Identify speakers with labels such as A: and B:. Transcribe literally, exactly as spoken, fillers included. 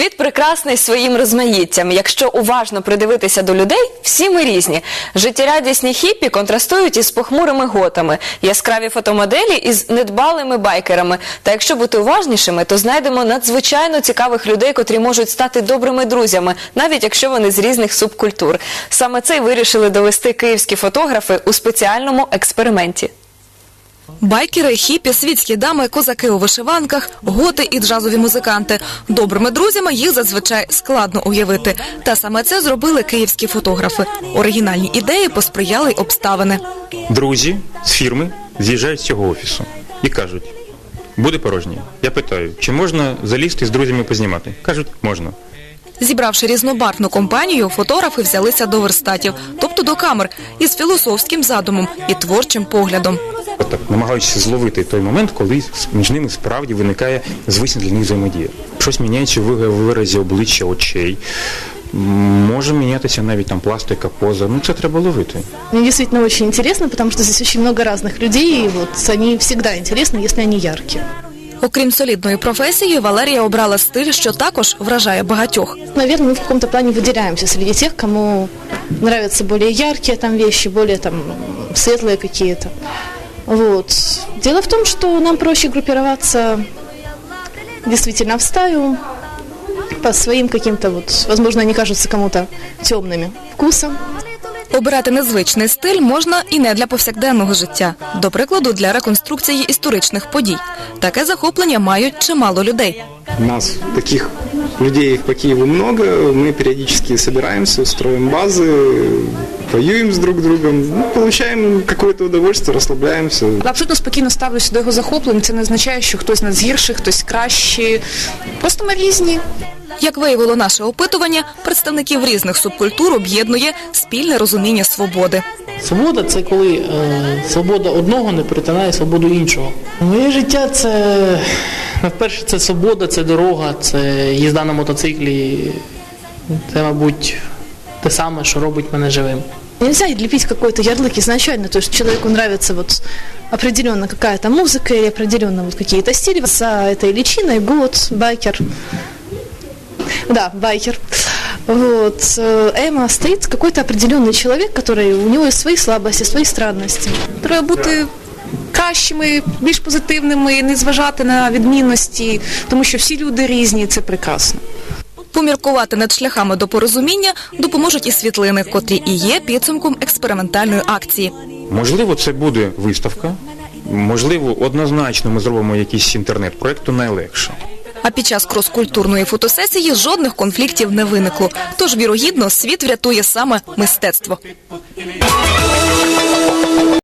A: Світ прекрасний своїм розмаїттям. Якщо уважно придивитися до людей, всі ми різні. Життєрадісні хіппі контрастують із похмурими готами, яскраві фотомоделі із недбалими байкерами. Та якщо бути уважнішими, то знайдемо надзвичайно цікавих людей, котрі можуть стати добрими друзями, навіть якщо вони з різних субкультур. Саме це й вирішили довести київські фотографи у спеціальному експерименті.
B: Байкери, хіпі, світські дами, козаки у вишиванках, готи і джазові музиканти. Добрими друзями їх зазвичай складно уявити. Та саме це зробили київські фотографи. Оригінальні ідеї посприяли й обставини.
C: Друзі з фірми з'їжджають з цього офісу і кажуть, буде порожнє. Я питаю, чи можна залізти з друзями познімати? Кажуть, можна.
B: Зібравши різнобарвну компанію, фотографи взялися до верстатів, тобто до камер, із філософським задумом і творчим поглядом.
C: Так, намагаючись зловити той момент, коли між ними справді виникає звична для них взаємодія. Щось міняється в виразі обличчя, очей. Може мінятися навіть там пластика, поза. Ну, це треба ловити.
D: Мне действительно очень интересно, потому что здесь очень много разных людей, и вот они всегда интересны, если они яркие.
B: Окрім солідної професії, Валерія обрала стиль, що також вражає багатьох.
D: Наверное, мы в каком-то плане выделяемся среди тех, кому нравятся более яркие там вещи, более там светлые какие-то. Вот. Дело в том, что нам проще группироваться действительно в стаю по своим каким-то, вот, возможно, они кажутся кому-то темными вкусом.
B: Обирати незвичний стиль можна і не для повсякденного життя. До прикладу, для реконструкції історичних подій. Таке захоплення мають чимало людей.
E: У нас таких людей по Киеву много, мы периодически собираемся, строим базы, воюем с друг другом, ну, получаем какое-то удовольствие, розслабляємося.
F: Абсолютно спокійно ставлюся до його захоплень. Це не означає, що хтось нас гірший, хтось кращий. Просто ми різні.
B: Як виявило наше опитування, представників різних субкультур об'єднує спільне розуміння свободи.
G: Свобода – це коли е, свобода одного не перетинає свободу іншого. Моє життя – це, найперше, це свобода, це дорога, це їзда на мотоциклі. Це, мабуть, те саме, що робить мене живим.
D: Нельзя лепить какой-то ярлык изначально, то есть человеку нравится вот определенно какая-то музыка или определенно вот какие-то стили. За этой личиной гот, байкер. Да, байкер. Вот. Эма стоит какой-то определенный человек, который, у него есть свои слабости, свои странности.
F: Треба бути кращими, більш позитивними, не зважати на відмінності, тому що всі люди різні, і це прекрасно.
B: Поміркувати над шляхами до порозуміння допоможуть і світлини, котрі і є підсумком експериментальної акції.
C: Можливо, це буде виставка, можливо, однозначно ми зробимо якийсь інтернет-проєкт, то найлегше.
B: А під час крос-культурної фотосесії жодних конфліктів не виникло. Тож, вірогідно, світ врятує саме мистецтво.